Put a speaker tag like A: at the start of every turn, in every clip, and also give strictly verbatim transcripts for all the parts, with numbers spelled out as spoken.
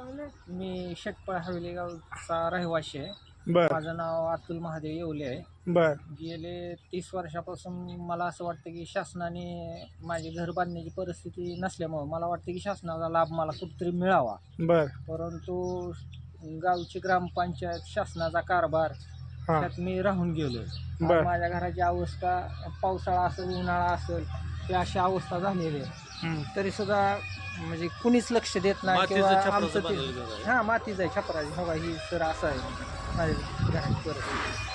A: मी शेटपळ हवेली गावचा रहिवासी आहे.
B: बर
A: माझं नाव अतुल महादेव येवले आहे.
B: बर
A: गेले तीस वर्षापासून मला असं वाटतं की शासनाने माझे घर बांधण्याची परिस्थिती नसल्यामुळं मला वाटतं की शासनाचा लाभ मला कुठेतरी मिळावा.
B: बर
A: परंतु गावची ग्रामपंचायत शासनाचा कारभार
B: हा
A: त्यात मी राहून गेलो.
B: बर
A: माझ्या घराची अवस्था पावसाळा असेल उन्हाळा असेल ही अशी अवस्था झालेली आहे.
B: हम्म.
A: तरी सुद्धा म्हणजे कुणीच लक्ष देत नाही
C: मातीचं
A: किंवा
C: छपराचं
A: आमचं
C: बांधलेलं
A: ते
C: घर आहे.
A: हां मातीचं आहे छपराची हो का ही सर असं आहे माझ्या घराची परिस्थिती.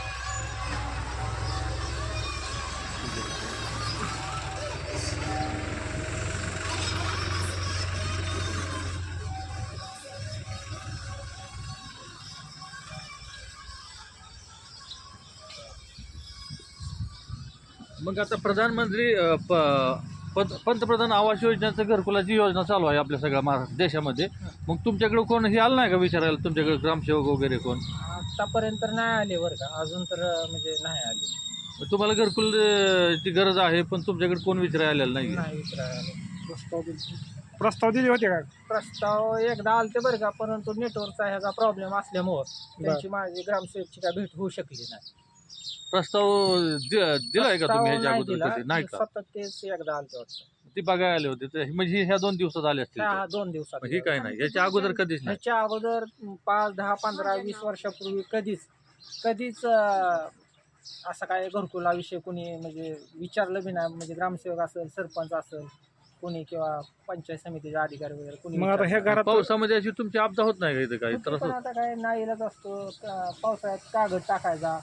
C: मग आता प्रधानमंत्री अ, प- पं- पंतप्रधान आवास योजनेचं घरकुलाची योजना चालू आहे आपल्या सगळ्या महाराष्ट्र देशामध्ये. मग तुमच्याकडे कोण हे आलं नाही का विचारायला, तुमच्याकडे ग्रामसेवक वगैरे कोण?
A: आतापर्यंत नाही आले बरं का, अजून तर म्हणजे नाही आले.
C: मग तुम्हाला घरकुल अ, ची गरज आहे पण तुमच्याकडे कोण विचारायला आलेलं नाही?
A: नाही विचारायला आले. प्रस्ताव दिले
B: प्रस्ताव दिले होते का?
A: प्रस्ताव एकदा आलते बरं का, परंतु नेटवर्कचा ह्याचा प्रॉब्लेम असल्यामुळं त्यांची माझी ग्रामसेवकची काय भेट होऊ शकली नाही.
C: प्रस्ताव दि- दिलाय का तुम्ही ह्याच्या
A: प्रस्ताव
C: अगोदर
A: दिला,
C: कधी? नाही का?
A: सतत तेच एकदा आलते वाटतं.
C: ती बघायला आले होते ते- म्हणजे ह्या दोन दिवसात आले असतील
A: हा
C: ते.
A: हा, दोन दिवसात.
C: मग हे काय नाही, याच्या अगोदर कधीच नाही.
A: ह्याच्या अगोदर पाच दहा पंधरा वीस वर्षापूर्वी कधीच कधीच अं, असं काय घरकुलाविषयी कोणी म्हणजे विचारलं बी नाही. म्हणजे ग्रामसेवक असेल सरपंच असेल कोणी किंवा पंचायत समितीचे अधिकारी वगैरे कोणी
B: मग आता ह्या
A: विचारलं
B: घरात
C: पावसामध्ये अशी तुमची आपदा होत नाही का इथं काही
A: नाही.
C: त्रास
A: पण
C: होत?
A: आता काय नाईलाज असतो. का- पावसाळ्यात कागद टाकायचा,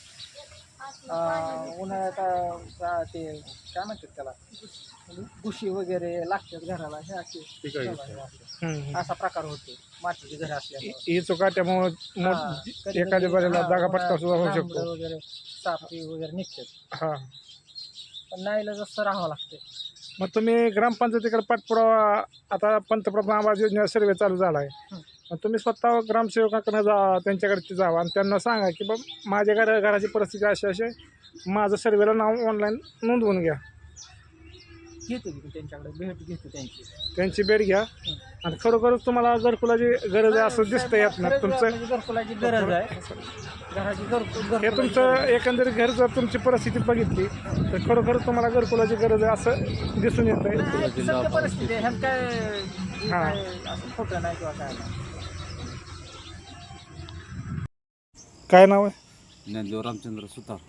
A: अं, उन्हाळ्यात अं, ते काय म्हणतात त्याला गुशी वगैरे लागतात घराला हे असे
C: ठीक आहे.
B: हम्म.
A: असा प्रकार होतो मातीची घर असल्यामुळे.
B: ही चुका त्यामुळे
A: हा, कधी-
B: एखाद्या
A: कधी-
B: बऱ्याला
A: हा,
B: जागा पटका सुद्धा होऊ
A: लांबडं
B: शकतो.
A: वगैरे सापी वगैरे निघतात.
B: हा
A: पण नाईलाज असं राहावं लागतं.
B: मग तुम्ही ग्रामपंचायतीकडे पाठपुरावा, आता पंतप्रधान आवास योजना सर्वे चालू झाला आहे,
A: हं.
B: मग तुम्ही स्वतः ग्रामसेवकाकडे जा, त्यांच्याकडे जावा आणि त्यांना सांगा की बा माझ्या घर घराची परिस्थिती अशी अशी आहे, माझं सर्वेला नाव ऑनलाईन नोंदवून घ्या.
A: घेतो की त्यांच्याकडे भेट घेतो त्यांची.
B: त्यांची भेट घ्या आणि खरोखरच तुम्हाला घरकुलाची गरज आहे असं दिसतं यात ना
A: खरंच
B: तुमचं.
A: म्हणजे घरकुलाची गरज आहे. घराची घरकुल
B: हे
A: घरकुलाची
B: तुमचं
A: गरज आहे.
B: एकंदरीत घर जर तुमची परिस्थिती बघितली तर खरोखरच तुम्हाला घरकुलाची गरज आहे असं दिसून येत आहे.
A: नाही, सत्य परिस्थिती आहे. ह्यात काय हे
B: हा.
A: काय असं खोटं नाही किंवा काय नाही.
B: काय नाव आहे?
D: ज्ञानदेव रामचंद्र सुतार,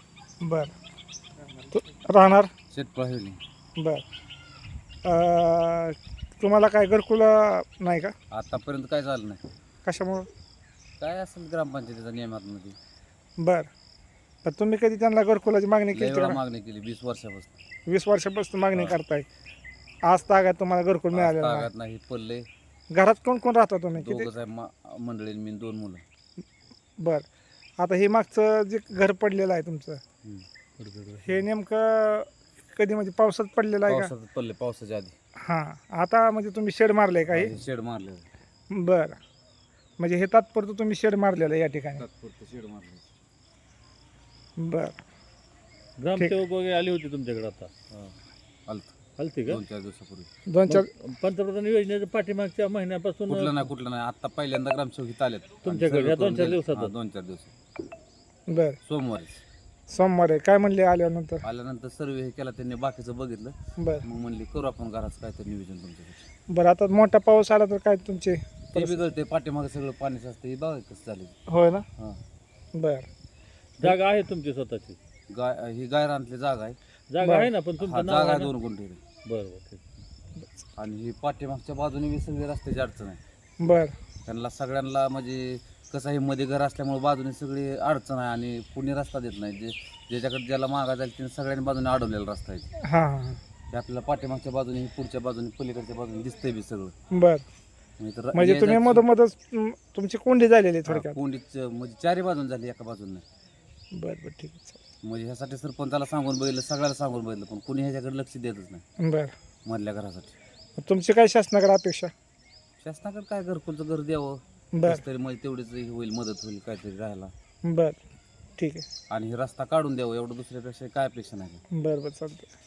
B: बरं. तू राहणार?
D: शेटपळ हवेली.
B: बर. अं, तुम्हाला काय घरकुल नाही का?
D: आतापर्यंत काय झालं नाही.
B: कशामुळं?
D: काय असेल ग्रामपंचायतीच्या नियमातमध्ये
B: बर. तर तुम्ही कधी त्यांना घरकुलाची मागणी
D: लय
B: केली
D: वेळा
B: का?
D: मागणी केली वीस वर्षापासून.
B: वीस वर्षापासून मागणी करताय, आज तागात तुम्हाला घरकुल मिळालेलं नाही.
D: तागात नाही पडले.
B: घरात कोण कोण राहता तुम्ही? किती?
D: दोघं साहेब मा- मंडळी मी दोन मुलं.
B: बर. आता हे मागचं जे घर पडलेलं आहे तुमचं,
D: हम्म.
B: हे नेमकं कधी म्हणजे पावसात पडलेलं आहे का?
D: पावसात पडले, पावसाच्या आधी
B: हां. आता म्हणजे तुम्ही शेड मारलंय का हे?
D: हे शेड मारले,
B: बर. म्हणजे हे तात्पुरतं तुम्ही शेड मारलेलं आहे या ठिकाणी?
D: तात्पुरतं शेड मारले.
B: बर.
C: ग्रामसेवक वगैरे आले होते तुमच्याकडे आता?
D: आलत
C: आलते का?
D: दोन चार दिवसापूर्वी.
B: दोन चार
C: मग पंतप्रधान योजनेच्या पाठीमागच्या महिन्यापासून
D: कुठलं नाही कुठलं नाही, आता पहिल्यांदा ग्रामसेवक इथं आलेत.
C: तुमच्याकडे
D: आणि
C: या
D: सर्व
C: दोन चार
D: करून
C: दिवसात?
D: गेले. हा, दोन चार दिवस
B: बर.
D: सोमवारी
B: सोमवारी काय म्हणले आल्यानंतर?
D: आल्यानंतर सर्वे हे केला त्यांनी, बाकीचं बघितलं.
B: बर.
D: मग म्हणले करू आपण घराचं काहीतरी नियोजन तुमच्याकडे.
B: बरं. आता मोठा पाऊस आला तर काय तुमचे?
D: ते बिघडते, पाठीमागे सगळं पाणी असतं, हे बघा कसं झालं.
B: होय ना?
D: हा,
B: बर.
C: जागा आहे तुमची स्वतःची?
D: गाय ही गायरानतली जागा आहे.
C: जागा
B: बरं.
C: आहे ना, पण
D: हा,
C: तुमचं नाव
D: जागा
C: आहे
D: आहे
C: ना?
D: दोन गुंठे.
C: बरं बरं ठीक.
D: आणि ही पाठीमागच्या बाजूने बी सगळी रस्त्याची अडचण आहे.
B: बर.
D: त्यांना सगळ्यांना म्हणजे कसं आहे, मध्ये घर असल्यामुळे बाजूने सगळी अडचण आहे आणि कुणी रस्ता देत नाही. जे ज्याच्याकडे ज्याला मागा जाईल त्याने सगळ्यांनी बाजूने अडवलेला रस्ता आहे.
B: हां हां
D: ते आपल्याला पाठीमागच्या बाजूने, पुढच्या बाजूने, पलीकडच्या बाजूने दिसतंय बी सगळं.
B: बर.
D: म्हणजे तर
B: म्हणजे
D: ये
B: तुम्ही
D: जायची-
B: मधोमधच अं, तुमची कोंडी झालेली आहे
D: हा,
B: थोडक्यात?
D: कोंडीच म्हणजे चारी बाजून झाली, एका बाजून नाही.
B: बर बर ठीक आहे.
D: म्हणजे ह्यासाठी सरपंचाला सांगून बघितलं, सगळ्याला सांगून बघितलं, पण कुणी ह्याच्याकडे लक्ष देतच नाही
B: बर.
D: मधल्या घरासाठी.
B: तुमची काय शासनाकडे अपेक्षा?
D: शासनाकडे काय घरकुलचं घर द्यावं,
B: बर
D: कसं तरी म्हणजे तेवढीच हे होईल, मदत होईल काहीतरी राहायला.
B: बर ठीक आहे.
D: आणि हे रस्ता काढून द्यावं, एवढं दुसऱ्यापेक्षा काय अपेक्षा नाही.
B: बर बर चालतं.